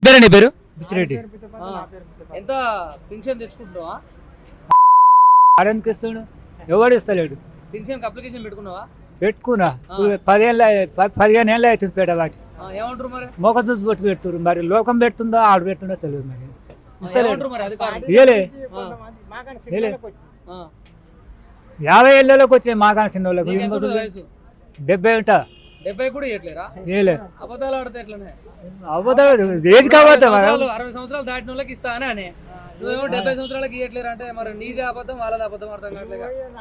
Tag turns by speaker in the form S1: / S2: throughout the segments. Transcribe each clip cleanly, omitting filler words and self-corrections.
S1: నీ పేరు?
S2: బుచ్చిరెడ్డి.
S1: ఎంత పింఛన్ తెచ్చుకుంటున్నావా?
S2: ఆడనికి ఇస్తాడు, ఎవడు ఇస్తలేడు.
S1: పింఛన్ అప్లికేషన్ పెట్టుకున్నావా?
S2: పెట్టుకున్నా 15 ఏళ్ళు అవుతుంది పెట్టబట్టి.
S1: ఏమంటారు మరి?
S2: మొక్క చూసి బొట్టు పెడుతున్నారు. మరి లోకం పెడుతుందో ఆడు పెడుతుందో తెలియదు. మరి ఇస్తలేడు.
S1: మరి అధికారులు
S2: ఇయలే 50 ఏళ్ళలోకి వచ్చినాయి మాకాన చిన్న వాళ్ళకి.
S1: వయసు
S2: 70 ఉంటా.
S1: 70 కూడా ఇవ్వట్లేరా?
S2: ఏలే
S1: అబద్ధాలు ఆడితే ఎట్లనే?
S2: అబద్ధాలు ఏజ్ కావద్దా?
S1: 60 సంవత్సరాలు దాటిన వాళ్ళకి ఇస్తా అని నువ్వేమో 70 సంవత్సరాలకి ఇవ్వట్లేరు అంటే మరి నీదే అబద్ధం వాళ్ళది అబద్ధం అర్థం కావట్లేదు.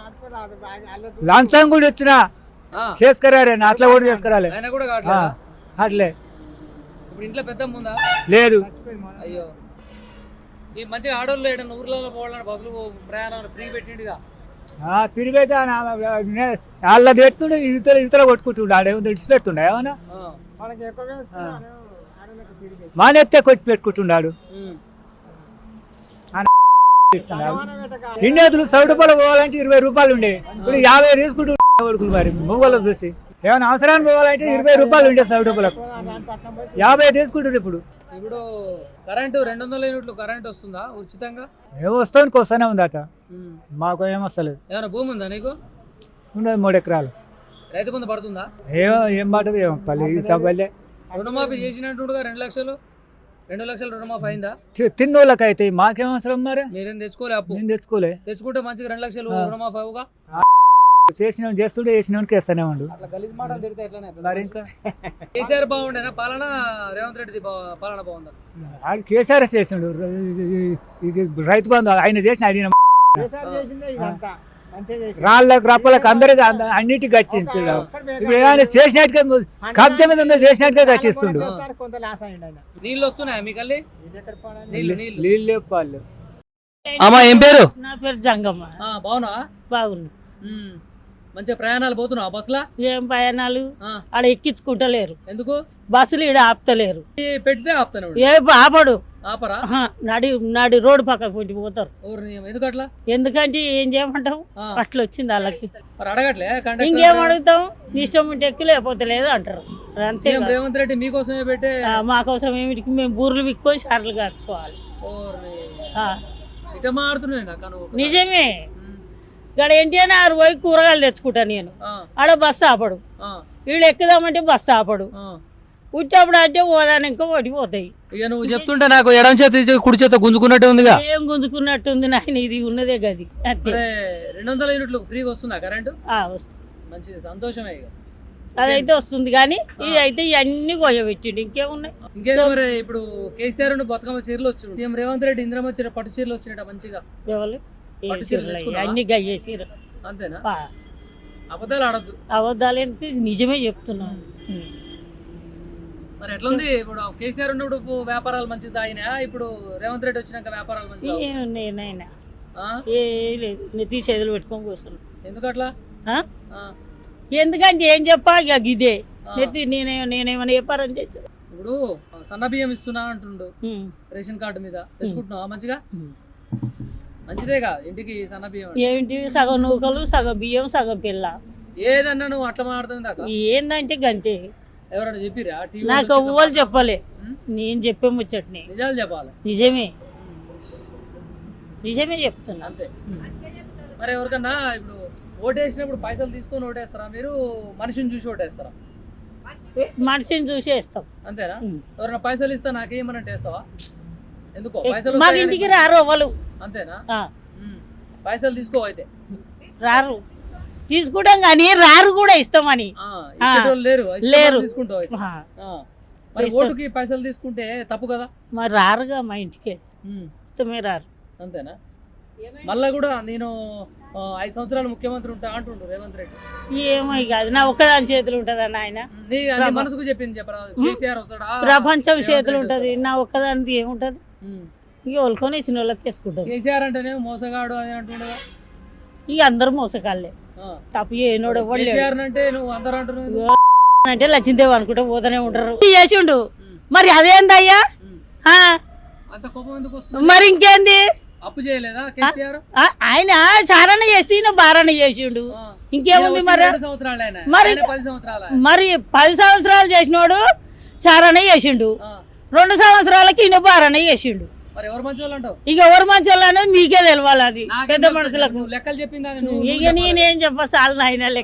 S2: లంచం కూడా ఇచ్చిన చేసుకురారే, అట్లా కూడా చేసుకురాలే.
S1: ఆయన కూడా కావట్లేదు.
S2: అట్లే
S1: ఇప్పుడు ఇంట్లో పెద్ద ముందా?
S2: లేదు.
S1: అయ్యో, ఈ మంచిగా ఆడోళ్ళు ఏడన్నా ఊర్లలో పోవాలని బస్సులు ప్రయాణం ఫ్రీ పెట్టిండుగా.
S2: పిరిపోతే వాళ్ళ పెడుతుండే, ఇతర కొట్టుకుంటుండే. ఆడేమో ఇడిచి పెడుతుండే ఏమన్నా మానెత్తే కొట్టి పెట్టుకుంటున్నాడు. ఇండియాతులు 100 రూపాయలు పోవాలంటే 20 రూపాయలు ఉండే, ఇప్పుడు 50 తీసుకుంటుండే కొడుకులు. మరి మొగోళ్ళు చూసి ఏమైనా అవసరాన్ని పోవాలంటే 20 రూపాయలు ఉండే, 100 రూపాయలకు 50 తీసుకుంటారు. ఇప్పుడు
S1: కరెంటు 200 యూనిట్లు కరెంట్ వస్తుందా ఉచితంగా?
S2: ఏమో వస్తానికి వస్తానే ఉందట. మాకు ఏమొస్తలేదు.
S1: ఏమైనా భూమి ఉందా నీకు?
S2: ఉండదు 3 ఎకరాలు.
S1: రైతు బంధు పడుతుందా?
S2: ఏం పడుతుంది ఏమో పల్లె తప్పలే.
S1: రుణమాఫీ చేసినట్టుగా 2 లక్షలు రుణమాఫీ అయిందా?
S2: తిన్నోళ్ళకి అయితే మాకేం అవసరం. మరి
S1: మీరేం తెచ్చుకోలే? అప్పు
S2: నేను తెచ్చుకోలే.
S1: తెచ్చుకుంటే మంచిగా 2 లక్షలు రుణమాఫీ అవుగా.
S2: చేసిన చేస్తుండే చేసినోనికి వేస్తానే ఉండు.
S1: అట్లా గలీజ్ మాటలు తిడితే ఎట్లనే?
S2: మరి ఇంకా
S1: కేసీఆర్ బాగుండేనా పాలన, రేవంత్ రెడ్డి పాలన బాగుందా?
S2: ఆడు కేసీఆర్ చేసిండు. రైతు బంధు ఆయన చేసిన అడిగిన రాళ్ళకు రప్పలకు అందరికి అన్నిటికీ కట్టించాడు. ఇప్పుడు ఏమైనా చేసినట్టుగా కబ్జా మీద ఉందో చేసినట్టుగా కట్టిస్తుండు.
S1: నీళ్ళు వస్తున్నాయా మీకల్లి?
S2: నీళ్ళు లేపాళ్ళు.
S1: అమ్మా ఏం పేరు?
S3: నా పేరు జంగమ్మ.
S1: బాగున్నా?
S3: బాగున్నా.
S1: మంచిగా ప్రయాణాలు పోతున్నావా బస్సులా?
S3: ఏం ప్రయాణాలు ఆడ ఎక్కించుకుంటలేరు.
S1: ఎందుకు?
S3: బస్సులు ఈడ ఆపుతలేరు.
S1: పెడితే ఆపుతాను.
S3: ఏ ఆపడు.
S1: ఆపరా?
S3: నాడి రోడ్డు పక్కకు పెట్టి పోతారు.
S1: ఎందుకు అట్లా?
S3: ఎందుకంటే ఏం చేయమంటావు, అట్లా వచ్చింది వాళ్ళకి.
S1: అడగట్లే?
S3: ఇంకేం అడుగుతాం, ఇష్టం ఉంటే ఎక్కువ లేకపోతే లేదు అంటారు. అంతే.
S1: రేవంత్ రెడ్డి మీకోసమే పెట్టే.
S3: మా కోసం ఏమిటికి మేము బూర్లు విక్కొని షార్లు కాసుకోవాలి.
S1: ఇట మాడుతున్నాయి.
S3: నిజమే. ఇక్కడ ఏంటి అని 6 పోయి కూరగాయలు తెచ్చుకుంటా నేను. ఆడ బస్సు ఆపడు. వీళ్ళు ఎక్కుదామంటే బస్సు ఆపడు. ఉట్టప్పుడు అంటే ఓదాని ఇంకా పడిపోతాయి.
S1: ఇక నువ్వు చెప్తుంటే నాకు ఎడం చేత కుడి చేత గుంజుకున్నట్టే ఉందిగా.
S3: ఏం గుంజుకున్నట్టుంది నాయన, ఇది ఉన్నదే గది. అంతే.
S1: 200 యూనిట్లు ఫ్రీగా వస్తుందా కరెంటు?
S3: వస్తుంది.
S1: మంచిది, సంతోషమే. ఇక
S3: అదైతే వస్తుంది కానీ ఇది అయితే ఇవన్నీ కొయ్యబెట్టిండు. ఇంకేమున్నాయి?
S1: ఇంకేదో మరి ఇప్పుడు కేసీఆర్ బతుకమ్మ చీరలు వచ్చినాయి. రేవంత్ రెడ్డి ఇంద్రమ్మ చీర పట్టు చీరలు వచ్చినట్ట మంచిగా.
S3: ఎవరు అన్ని గయ్యే చీర.
S1: అంతేనా? అబద్ధాలు ఆడద్దు.
S3: అబద్ధాలు ఎంత నిజమే చెప్తున్నాను.
S1: మరి ఎట్లుంది ఇప్పుడు? కేసీఆర్ ఉన్నప్పుడు వ్యాపారాలు మంచిగా సాగినా, ఇప్పుడు రేవంత్ రెడ్డి వచ్చినాక వ్యాపారాలు మంచిగా
S3: ఏమున్నాయినా? ఏ లేదు, నెత్తి చేతులు పెట్టుకొని కూర్చున్నాను.
S1: ఎందుకు అట్లా?
S3: ఎందుకంటే ఏం చెప్పా ఇక ఇదే నెత్తి. నేనేమైనా వ్యాపారం చేశాను.
S1: ఇప్పుడు సన్న బియ్యం ఇస్తున్నా అంటుండు రేషన్ కార్డు మీద. తెచ్చుకుంటున్నావా మంచిగా? మంచిదేగా ఇంటికి సన్న బియ్యం.
S3: ఏంటి సగం నూకలు, సగం బియ్యం, సగం పిల్ల.
S1: ఏదన్నా నువ్వు అట్లా మాట్లాడుతుంది.
S3: ఏందంటే గంతే.
S1: ఎవరైనా చెప్పిరా?
S3: నాకు ఎవ్వరు చెప్పలే, నేను చెప్పే ముచ్చట్ని.
S1: నిజాలు చెప్పాలి.
S3: నిజమే చెప్తున్నా.
S1: అంతే. మరి ఎవరికన్నా ఇప్పుడు ఓటేసినప్పుడు పైసలు తీసుకొని ఓటేస్తారా మీరు? మనిషిని చూసి ఓటేస్తారా?
S3: మనిషిని చూసి వేస్తాం.
S1: అంతేనా? ఎవరైనా పైసలు ఇస్తా నాకేమనంటే వేస్తావా? ఎందుకో? పైసలు
S3: మాకు ఇంటికి రారు అవ్వలు.
S1: అంతేనా? పైసలు తీసుకో. అయితే
S3: రారు, తీసుకుంటాం కానీ రారు కూడా ఇస్తామని. లేరు.
S1: తీసుకుంటావు. మరి ఓటుకి పైసలు తీసుకుంటే తప్పు కదా?
S3: మరి రారుగా మా ఇంటికి. ఇష్టమే రారు.
S1: అంతేనా? మళ్ళా కూడా నేను 5 సంవత్సరాలు ముఖ్యమంత్రి ఉంటా అంటుండు రేవంత్ రెడ్డి.
S3: ఏమో కాదు, నా ఒక్కదాని చేతులు ఉంటదన్న ఆయన.
S1: మనసుకు చెప్పింది చెప్పరా? కేసీఆర్ వస్తాడా?
S3: ప్రపంచం చేతులు ఉంటది, నా ఒక్కదానికి ఏముంటది? ఇక వాళ్ళకొని ఇచ్చిన వాళ్ళకి వేసుకుంటారు.
S1: కేసీఆర్ అంటేనే మోసగాడు అని అంటుండగా.
S3: ఇక అందరు మోసగాళ్ళే, తప్పు ఏనోడు
S1: అంటే నువ్వు అందరూ అంటున్నావు.
S3: అంటే లక్ష్మీదేవి అనుకుంటే పోతూనే ఉంటారు. చేసిండు మరి అదేందయ్యా? మరి ఇంకేంది?
S1: అప్పు చేయలేదా కేసీఆర్?
S3: ఆయన చారణ చేస్తే బారణ చేసిండు. ఇంకేముంది? మరి 10 సంవత్సరాలు చేసినోడు చారణ చేసిండు. 2 సంవత్సరాలకి ఈయన బారనే చేసిండు.
S1: మరి ఎవరు మంచి వాళ్ళు అంటావు?
S3: ఇక ఎవరు మంచి వాళ్ళు అనేది మీకే తెలవాలి, అది
S1: నాకేం
S3: పెద్ద
S1: తెలుసు?
S3: మనుషులకు.
S1: నువ్వు లెక్కలు చెప్పిందా?
S3: ఇక నేనేం చెప్ప చాలు నాయన